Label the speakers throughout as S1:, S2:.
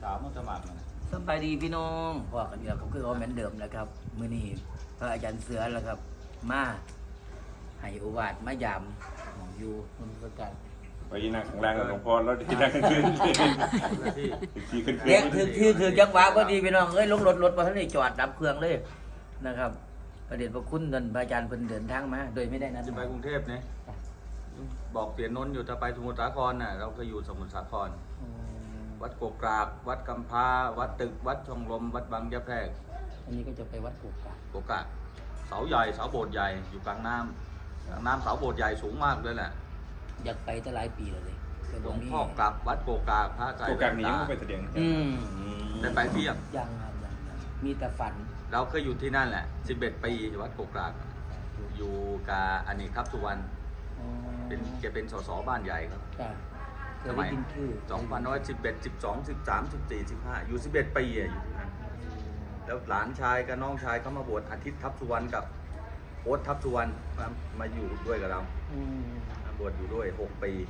S1: สาวมันสมัครนะ
S2: สบายดีพี่น้องพอกันอีกแล้วก็คือเอาเหมือนเดิมนะครับมื้อนี้พระอาจารย์เสือแล้วครับมาให้โอวาทมายามหมองอยู่มันก็กัน
S3: ไปนั่งข้างล่างกับหลวงพ่อแล้วที่นั่งขึ้นที่ขึ้น
S2: เด็กถือจังหวะพอดีพี่น้องเอ้ยลงรถมาท่านได้จอดดับเครื่องเลยนะครับประเด็นพระคุณท่านพระอาจารย์เพิ่นเดินทางมาโดยไม่ได้นัด
S1: จะ
S2: ห
S1: ไป
S2: มาย
S1: กรุงเทพเนี่ยบอกเสียนนท์อยู่ถ้าไปสมุทรสาครน่ะเราก็อยู่สมุทรสาคร
S2: อืม
S1: วัดโกกรากวัดกำพร้าวัดตึกวัดช่องลมวัดบางยะแพรก
S2: อันนี้ก็จะไปวัดกุกกะ
S1: โกกรากเสาใหญ่เสาโบสถ์ใหญ่อยู่กลางน้ำกลางน้ำเสาโบสถ์ใหญ่สูงมากเลยแหละ
S2: อยากไปตั้งหลายปีแล้วเลยแต่
S1: หล
S2: บ่
S1: วง
S2: มี
S1: พ่อกลับวัดโกกรากพระใจ
S3: โอกาสนี้ก็ไปแสดง
S2: อืม
S1: ได้ไปเที่ยง
S2: ยังครับยังมีแต่ฝัน
S1: เราเคยอยู่ที่นั่นแหละ11 ปีวัดโกกรากอยู่กับอเนกครับสุวรรณ
S2: อ๋อ
S1: แกเป็นสสบ้านใหญ่ครับ
S2: จ้ะเค
S1: ส
S2: ย
S1: มั
S2: ได้
S1: ย
S2: ยินชื่อ
S1: 2111 12 13 14 15อยู่11 ปีอะอยู่ที่นั่นแล้วหลานชายกับน้องชายเขามาบวชอาทิตย์ทัพสุวรรณกับโอ๊ตทัพสุวรรณมาอยู่ด้วยกับเรา
S2: อืม
S1: มาบวชอยู่ด้วย6 ปี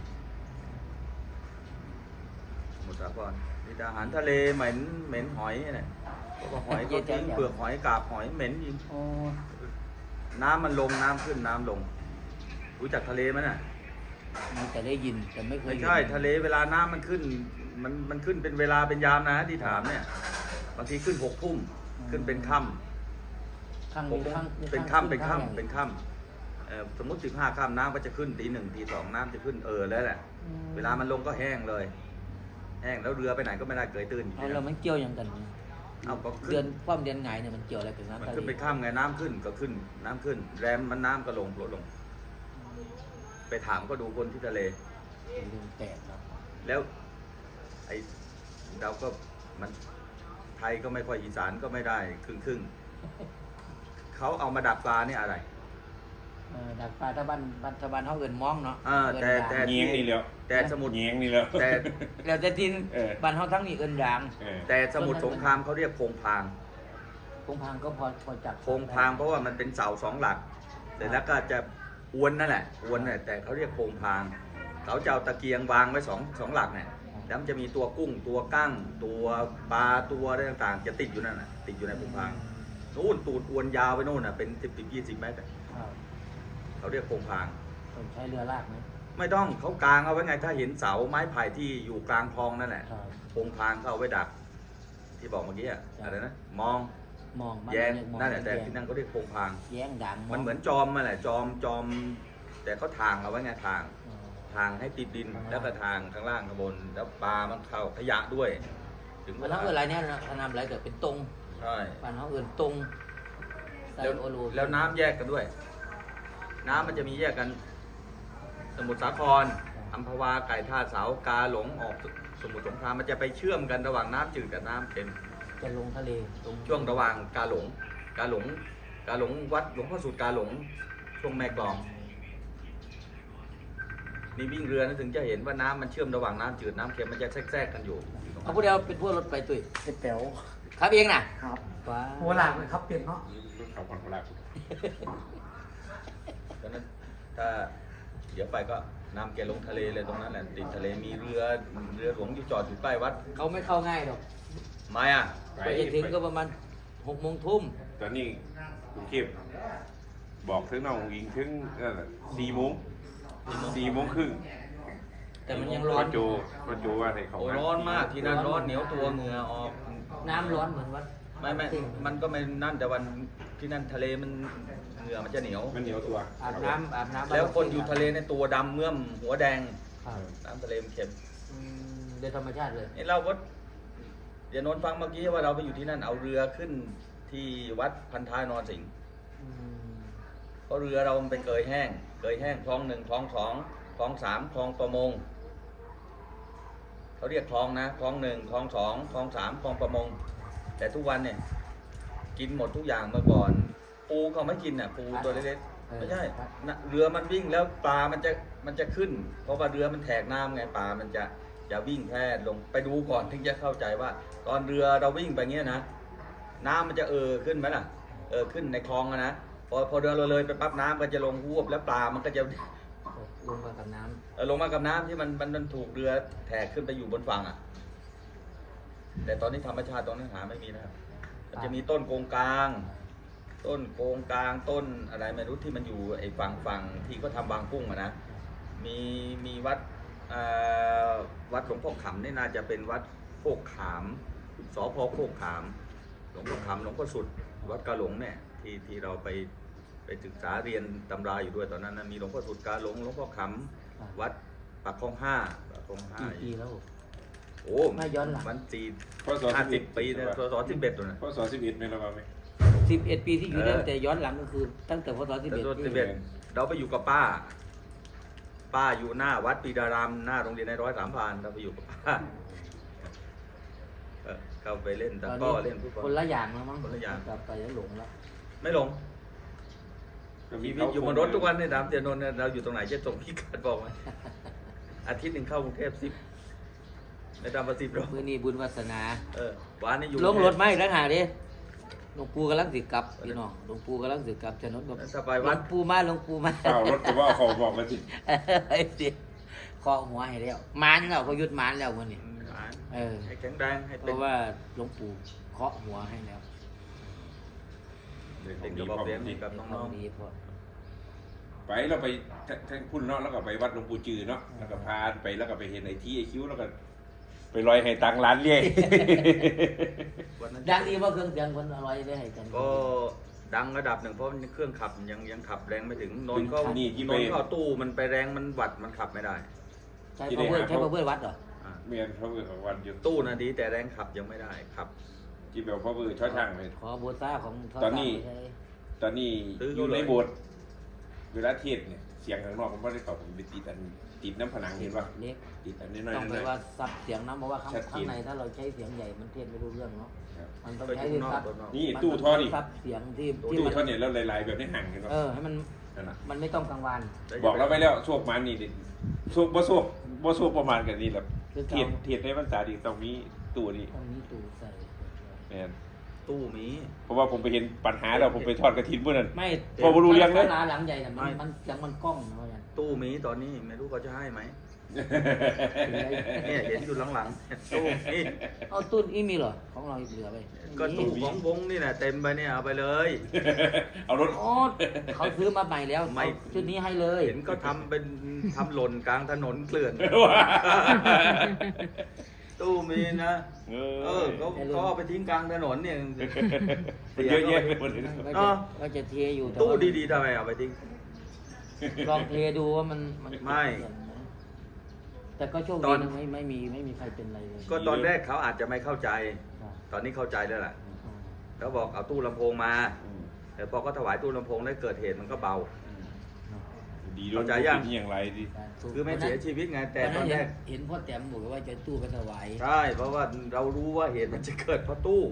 S1: สมุทรสาครมีแต่อาหารทะเลเหม็นหอยเนี่ยเพราะว่าหอยก็ทิ้งเปลือกหอยกาบหอยเหม็นจริง
S2: อ๋อ
S1: น้ำมันลงน้ำขึ้นน้ำลงรู้จักทะเลไหมน่ะ
S2: มีแต่ได้ยินแต่ไม่เคย
S1: ไม่
S2: เห็น
S1: ใช่ทะเลเวลาน้ำมันขึ้นมันขึ้นเป็นเวลาเป็นยามนะที่ถามเนี่ยบางทีขึ้น6 ทุ่มขึ้นเป็นค่ำ
S2: ข้าง
S1: ผม
S2: ข้าง
S1: เป็นค่ำเป็นค่ำเป็นค่ำสมมติ15 ค่ำน้ำก็จะขึ้นตี 1ตี 2น้ำจะขึ้นแล้วแหละเวลามันลงก็แห้งเลย แห้งแล้วเรือไปไหนก็ไม่ได้เกยตื้นอยู่
S2: เอา
S1: ที่
S2: แล้ว
S1: นั่น
S2: มันเกี่ยวยังกันเนี่ย
S1: เอาก็
S2: เดื
S1: ขึ้
S2: อน นความเดือนไงเนี่ยมันเกี่ยวอะไรกับ
S1: มัน
S2: น้ำทะเล
S1: ขึ้นไปค่ำไงน้ำขึ้นก็ขึ้นน้ำขึ้น แรมมันน้ำก็ลงลดลง ไปถามก็ดูคนที่ทะเล
S2: เป็นเรื่องแปลกครับ
S1: แล้วไอเราก็มันไทยก็ไม่ค่อยอีสานก็ไม่ได้ครึ่งเขาเอามาดักปลานี่อะไร
S2: ดักปลาถ้าบ้านเขาเอินมองเนาะ
S1: แต่
S3: เงี้ยงนี่แล้ว
S1: แต่สมุทร
S3: เงี้ยงนี่แล้ว
S1: แต่
S2: แล้วแต่ที่
S3: เออ
S2: บ้านเขาทั้งนี้เอินด่าง
S1: แต่สมุทรสงครามเขาเรียกโพงพาง
S2: พงพางก็พอจับ
S1: โพงพางเพราะว่ามันเป็นเสา2 หลักแต่แล้วก็จะอวนนั่นแหละอวนน่ะแต่เขาเรียกโพงพางเขาจะเอาตะเกียงวางไว้สองหลักเนี่ยแล้วมันจะมีตัวกุ้งตัวกั้งตัวปลาตัวอะไรต่างๆ จะติดอยู่นั่นน่ะติดอยู่ในโพงพางนู่นตูดอวนยาวไปนู่นน่ะเป็น10-20 เมตรอะ
S2: ครับ
S1: เขาเรียกโพงพาง
S2: ต้องใช้เรือลากไหม
S1: ไม่ต้องเขากางเอาไว้ไงถ้าเห็นเสาไม้ไผ่ที่อยู่กลางคลองนั่นแหละ
S2: ครับ
S1: โพงพางเขาเอาไว้ดัก ที่บอกเมื่อกี้อะอะไรนะมอง
S2: มองบ้าน
S1: แยง
S2: เรียกมอง
S1: นั่นแหละแต่
S2: ยง
S1: ที่นั่นเขาเรียกโพงพาง
S2: แย้งด่าง
S1: มันเหมือนจอมมาแหละจอม แต่เขาทางเอาไว้ไงทางให้ติดดินแล้วก็ทางข้างล่างข้างบน แล้วปลามันเข้าขยะด้วย ถึง
S2: บ้านเขาเอินอะไรเนี่ยนะเขานำอะไรเกิดเป็นตรง
S1: ใช่
S2: บ้านเขาเอินตรงไซ
S1: แล้ว
S2: โอโล
S1: แล้วน้ำแยกกันด้วย น้ำมันจะมีแยกกัน สมุทรสาครอัมพวาไก่ท่าเสากาหลงออกสมุทรสงครามมันจะไปเชื่อมกันระหว่างน้ำจืดกับน้ำเค็ม
S2: จะลงทะเลตรง
S1: ช่วงระหว่างกาหลงวัดหลวงพ่อสุดกาหลงช่วงแม่กลองมีวิ่งเรือนะถึงจะเห็นว่าน้ำมันเชื่อมระหว่างน้ำจืดน้ำเค็มมันจะแทรกกันอยู่
S2: เอาผู้เดียวเป็นพวกรถไปตุ้ย
S4: เป็นแป๋ว
S2: ครับเองน่ะ
S4: ครับ
S2: ว้า
S4: หัวหลากเลยครับเปลี่ยนเนาะ
S3: เขาผ่อนเวลา
S1: ฉะนั้นถ้าเดี๋ยวไปก็นำแกลงทะเลเลยตรงนั้นแหละติดทะเลมีเรือหลวงอยู่จอดอยู่ใกล้วัด
S2: เขาไม่เข้าง่ายหรอก
S1: ไม่อ่ะ
S2: ไปถึงก็ประมาณ6 โมงทุ่ม
S3: ตอนนี้กรุงเทพบอกถึงน้องอิงถึง4 โมง4 โมงครึ่ง
S2: แต่มันยังร้อ
S3: ก็
S2: น
S3: โจว่าให้เขา
S1: โอ้ร้อนมากที่นั่นร้อนเหนียวตัวเหงื่อออก
S2: น้ำร้อนเหมือนวัด
S1: ไม่มันก็ไม่นั่นแต่วันที่นั่นทะเลมันเหงื่อมันจะเหนียว
S3: มันเหนียวตัว
S2: อาบน้ำ
S1: แล้วคนอยู่ทะเลในยตัวดำเมื่อมหัวแดง
S2: ครับ
S1: น้ำทะเลมันเค็ม
S2: โดยธรรมชาติเลย
S1: นี่เราก็เดี๋ยวนนท์ฟังเมื่อกี้ว่าเราไปอยู่ที่นั่นเอาเรือขึ้นที่วัดพันท้ายนรสิงห์
S2: อืม
S1: เพราะเรือเรามันไปเกยแห้งคลอง 1คลอง 2คลอง 3คลองประมงเขาเรียกคลองนะคลอง 1คลอง 2คลอง 3คลองประมง แต่ทุกวันเนี่ยกินหมดทุกอย่างเมื่อก่อน ปูเขาไม่กินน่ะปูตัวเล็กๆไม่ใช่นะเรือมันวิ่งแล้วปลามันจะขึ้น เพราะว่าเรือมันแทกน้ำไงปลามันจะวิ่งแพร่ลงไปดูก่อนถึงจะเข้าใจว่า ตอนเรือเราวิ่งไปเงี้ยนะน้ำมันจะขึ้นไหมล่ะขึ้นในคลองอะนะพอเรือเราเลยไปปั๊บน้ำก็จะลงหวบแล้วปลามันก็จะ
S2: ลงมากับน้
S1: ลงมากับน้ำที่มันถูกเรือแทกขึ้นไปอยู่บนฝั่งอ่ะแต่ตอนนี้ธรรมชาติตรงนั้นหาไม่มีนะครับมันจะมีต้นโกงกลาง ต้นโกงกลางต้นอะไรไม่รู้ที่มันอยู่ไอ้ฝั่งที่ก็ทำบางกุ้งอะนะมีวัดวัดหลวงพ่อขำนี่น่าจะเป็นวัดโคกขามสพโคกขามหลวงพ่อขำหลวงพ่อสุดวัดกาหลงเนี่ยที่เราไปศึกษาเรียนตำราอยู่ด้วยตอนนั้นนะมีหลวงพ่อสุดกาหลงหลวงพ่อขำวัดปากคลอง5ปากคลอง
S2: กี่ปี
S1: 5
S2: แล้ว
S1: โอ้
S2: ไม่ย้อนหลัง
S1: มัน
S3: พศ
S1: 50 ปีนะพศ11ตัวนะ
S3: พศ11ไม่ระบาดไหม
S2: 11 ปีที่อยู่ได้แต่ย้อนหลังก็คือตั้งแต่พศ
S1: แต่ตัว
S2: 11ที่
S1: 11เราไปอยู่กับป้าอยู่หน้าวัดปีดารามหน้าโรงเรียนใน103 เราไปอยู่กับป้าเข้าไปเล่นแต่ก็เล่นฟุตบอล
S2: คนละอย่างแล้วมั้ง
S1: คนละอย่าง
S2: กลับไปแล้วหลงแล้ว
S1: ไม่ลงชีวิตอยู่บนรถทุกวันในดามเตียนนท์เนี่ยเราอยู่ตรงไหนจะส่งพี่กัดบอกไหม อาทิตย์หนึ่งเข้ากรุงเทพ10ในดามประสิทธิ์
S2: มื้อนี้บุญวาสนา
S1: วันนี้อยู่
S2: ลงรถไหมแล้วหาดิหลวงปู่กำลังสิกลับพี่น้องหลวงปู่กำลังสิกลับถนนกับ
S1: ถ้าไป
S2: หล
S1: วั
S2: ว
S1: ด
S2: งปู่มาหลวงปู่มา
S3: ข้าวรถก็ว่าเขาบอกมาสิ
S2: ไอ้สิเคาะหัวให้แล้วมานแล้วเขาหยุดมานแล้วมื้อนี้เออ
S1: ให้แข็งแรงให้
S2: เพ
S1: เป็น
S2: ราะว่าหลวงปู่เคาะหัวให้แล้ว
S3: เดี๋ยว
S1: เป็น
S3: ดี
S1: กระ
S3: พ
S1: บอก
S3: อ
S1: เลี้ยง
S3: ดี
S1: กับน้อง
S2: ดีพอ
S3: ไปเราไปทั้งคุณเนาะแล้วก็ไปวัดหลวงปู่จือเนาะแล้วก็พาไปแล้วก็ไปเห็นไอ้ที่ไอ้คิ้วแล้วก็ไปลอยให้ตังร้านเลี้ย
S1: ๆวันนั้น
S2: ดังดีว่าเครื่องเสียงคนอร่อยได้ให้กัน
S1: ก็ดังระดับหนึ่งเพราะเครื่องขับยังขับแรงไม่ถึงนนท์ก็
S3: นี่ที่
S1: น
S3: ไป
S1: นท์ก็ตู้มันไปแรงมันวัดมันขับไม่ได้
S2: ใช้พาวเวอร์ใช้พาวเวอร์วัดเหรอ
S1: อ่า
S3: เมียนพระเวอร์ของวันอยู่
S1: ตู้นะดีแต่แรงขับยังไม่ได้ขับ
S3: ที่แบบพระเวอร์ช่อช่างเลย
S2: ขอโบซ่าของท
S3: ตอนนี้
S2: ใช้
S3: ตอนนี้
S1: ซื้อ
S3: อ
S1: เขา
S3: ยู่
S1: เลย
S3: ในโบสถ์เวลาเทศน์เนี่ยเสียงข้างนอกผมไม่ได้ตอบผมไปติดน้ำผนังเห็นป่ะ
S2: เล็ก
S3: ติดอันนี้น้อย
S2: ต้องไป
S3: ๆ
S2: ว่าซับเสียงนะเพราะว่าข้าง
S3: ชัดเจน
S2: ข้างในถ้าเราใช้เสียงใหญ่มันเทศไม่รู้เรื่องเนาะ
S3: ครับ
S2: มันต้อง
S1: ไป
S2: ใช้
S1: ตู้นอก
S2: ซับ
S1: ตัวนอก
S3: นี่
S2: มัน
S3: ตู้ท่อนี่
S2: ซับเสียงที่
S3: ตู้
S2: มัน
S3: ท่อเนี่ยแล้วลายๆแบบนี้ห่างเห็นป่ะ
S2: ให้มัน
S3: นั่นน่ะ
S2: มันไม่ต้องกลางวัน
S3: บอกเราไปแล้วโชคมันนี่ดิโชคบ่โชคประมาณกันนี่แหละเทียดในภาษาดีต้องมีตู้นี่
S2: ต้องมีตู้ใส่
S3: แม่น
S1: ตู้มี
S3: เพราะว่าผมไปเห็นปัญหาแล้วผมไปทอดกระถินพวกนั้น
S2: ไม่
S3: พอบ่รู้เรื่องเลย
S2: ร้านหลังใหญ่น่ะมันเสียงมันกล้องนะว่าอย่าง
S1: ตู้มีตอนนี้ไม่รู้เขาจะให้ไหมเนี่ยเห็นอยู่หลังๆตู้นี่
S2: เอาตุ้นอีมีเหรอของเราเหลือไป
S1: ก็ตู้ของวงนี่แหละเต็มไปเนี่ยเอาไปเลย
S3: เอารถ
S2: โอ้เขาซื้อมาใหม่แล้ว
S1: ไม่
S2: เอาชุดนี้ให้เลย
S1: เห็นก็ทำเป็นทำหล่นกลางถนนเกลื่อน ตู้มีนะเขาเอาไปทิ้งกลางถนนเนี่ย
S3: เยอะแยะไปหมดเลย
S2: ก็จะเทอยู่แต่
S1: ตู้
S2: ว่า
S1: ดีๆทำไมเอาไปทิ้ง
S2: ลองเทดูว่ามัน
S1: ไม่
S2: แต่ก็โชค
S1: ต
S2: ดี
S1: อน
S2: นะไม่มีใครเป็นอะไรเลย
S1: ก็ตอนแรกเขาอาจจะไม่เข้าใจ
S2: ครับ
S1: ตอนนี้เข้าใจแล้วแหละเขาบอกเอาตู้ลำโพงมา แต่พอก็ถวายตู้ลำโพงได้เกิดเหตุมันก็เบา
S3: ดีด้วย
S1: เข้าใจยัง
S3: เป็นอย่างไรดิ
S1: คือไม่เสียชีวิตไงแต่ตอนแรก
S2: เห็นพ่อแต้มบอกว่าจะตู้ไปถวาย
S1: ใช่เพราะว่าเรารู้ว่าเหตุมันจะเกิดเพราะตู้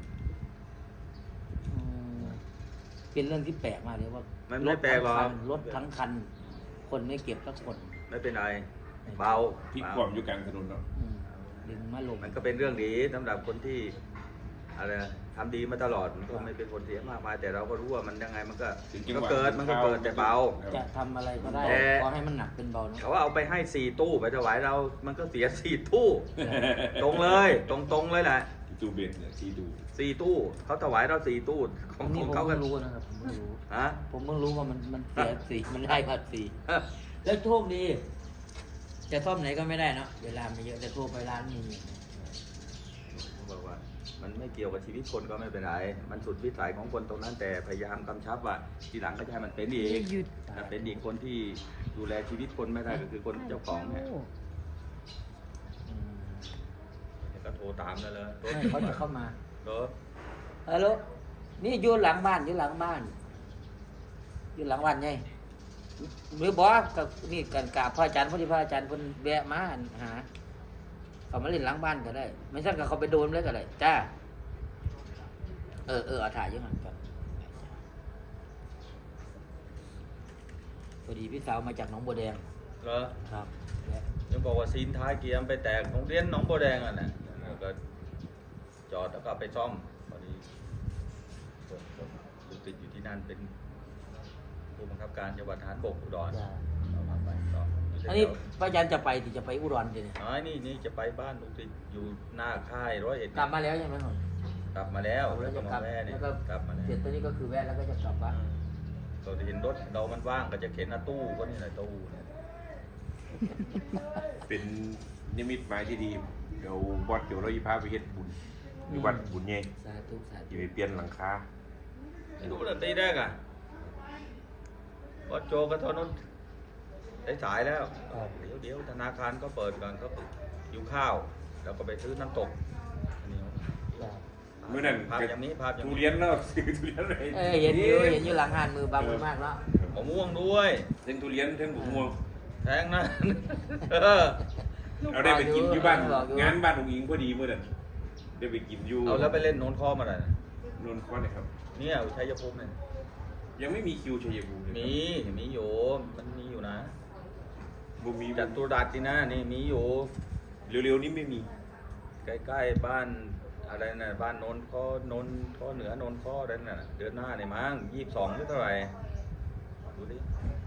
S2: เป็นเรื่องที่แปลกมากเลยว่า
S1: มันไม่แปลกหรอก
S2: รถทั้งคัน คนไม่เก็บสักคน
S1: ไม่เป็นไรเบา
S3: พลิก
S1: เบา
S3: ความอยู่กลางถนนเนาะ
S2: ดึงมาลง
S1: มันก็เป็นเรื่องดีสำหรับคนที่อะไรนะทำดีมาตลอดมันก็ไม่เป็นผลเสียมากมายแต่เราก็รู้ว่ามันยังไงมันก็
S3: ถึงจัง
S1: ก็
S3: หวะ
S1: เกิดมันก็เกิดแต่เบา
S2: จะทำอะไรก็ได้
S1: แต่
S2: ขอให้มันหนักเป็นเบานะ
S1: เขาว่าเอาไปให้4ตู้ไปถวายเรา มันก็เสีย4ตู้ ตรงเลยตรงเลยแหละ
S3: ตู้เบนเนี่ยที่ดู
S1: 4ตู้เขาถวายเรา4ตู้ข
S2: อั
S1: อง
S2: นนี้
S1: ของ
S2: ผม
S1: เขาก็
S2: เพิ่งรู้นะครับผมเพิ่งรู้
S1: ฮะ
S2: ผมเพิ่งรู้ว่ามันเสียสีมันได้ภาษีแล้วโชคดี จะซ่อมไหนก็ไม่ได้เนาะเวลาไม่เยอะแต่โทรไปร้านนี้
S1: เขาบอกว่า มันไม่เกี่ยวกับชีวิตคนก็ไม่เป็นไรมันสุดวิสัยของคนตรงนั้นแต่พยายามกำชับว่าทีหลังก็จะให้มันเป็นอีกถ้าเป็นอีกคนที่ดูแลชีวิตคนไม่ได้ก็คือคนเจ้าของเนี่ย ก็โทรตามเลย
S2: ไม่เขาจะเข้ามา
S1: รถ
S2: ฮัลโหลนี่อยู่หลังบ้านอยู่หลังบ้าน อยู่หลังบ้านไงหรือบอกกับนี่กันกราบพระอาจารย์พอดีพระอาจารย์คนแวะมาหาเขามาเล่นหลังบ้านก็ได้ ไม่ใช่กับเขาไปโดนเลยก็ได้จ้าเอาถ่ายอยังไงก่อนพอดีพี่สาวมาจากหนองบัวแดง
S1: เหรอ
S2: ครับ
S1: ยังบอกว่าซีนท้ายเกียร์ไปแตกโรงเรียนหนองบัวแดงอ่ะนะแล้วก็จอดแล้วก็ไปซ่อมพอดีผมติดอยู่ที่นั่นเป็นผู้บังคับการจังหวัดทหารบกอุดร
S2: จ้า
S1: เราพาไปซ่อม
S2: อันนี้พระอาจารย์จะไปที่จะไปอุดรเนี่ย
S1: อ๋อนี่จะไปบ้านลุงติดอยู่หน้าค่าย101
S2: กลับมาแล้วใช่ไหมหมด
S1: กลับมาแล้ว
S2: แล้
S1: แล้ว ว
S2: จะ
S1: ก็
S2: กลั
S1: มา
S2: บ
S1: แม่เนี่ย
S2: แล้วก็
S1: กลับมาแล้ว
S2: เสร็จตอนนี้ก็คือแวะแล้วก็จะกลับบ้าน
S1: เราจะเห็นรถเรามันว่างก็จะเข็นหน้าตู้ก็นี่แหละตู้เนี่ย
S3: เป็นนิมิตหมายที่ดีเดี๋ยวบอสเดี๋ยวเราจะพาไปเฮ็ดบุญอยู่วัดบุญใหญ่
S2: สาธุสาธุ
S3: จะไปเปลี่ยนหลังคา
S1: ไม่รู้นะตีแรกอ่ะวัดโจก็เท่านั้นได้สายแล้ว เดี๋ยวธนาคารก็เปิดก่อนก็หิวข้าว แล้วก็ไปซื้อน้ำตกอันนี้
S3: เมื่อนั้น
S1: ภาพอย่างนี้ภาพอย่าง
S3: ทุ
S1: นี้
S3: เรียนเนาะซื้อทุเรียนเลย
S2: เห็นอยู่หลังหานมือบางมือมากเนาะ
S1: มะม่วงด้วย
S3: ทั้งทุเรียนทั้งบุกม่วง
S1: แพงนะ เออ
S3: เราได้ไปกินอยู่บ้านงานบ้านของอิงพอดีเมื่อนั้นได้ไปกินอยู่
S1: เอาแล้วไปเล่นโน้นข้อมาเลย
S3: นนท์ก้อนนะครับ
S1: เนี่ยชัยภูมิเนี่ย
S3: ยังไม่มีคิวชัยภูมิเลย
S1: มีอยู่มันมีอยู่นะ
S3: บุมี
S1: จัตุรัสที่นะนี่มีอยู่
S3: เร็วๆนี้ไม่มี
S1: ใกล้ๆบ้านอะไรนะบ้านโนนข้อเหนือโนนข้อนั่นน่ะเดือนหน้าเนี่ยมั้ง22หรือเท่าไหร่ดูดิ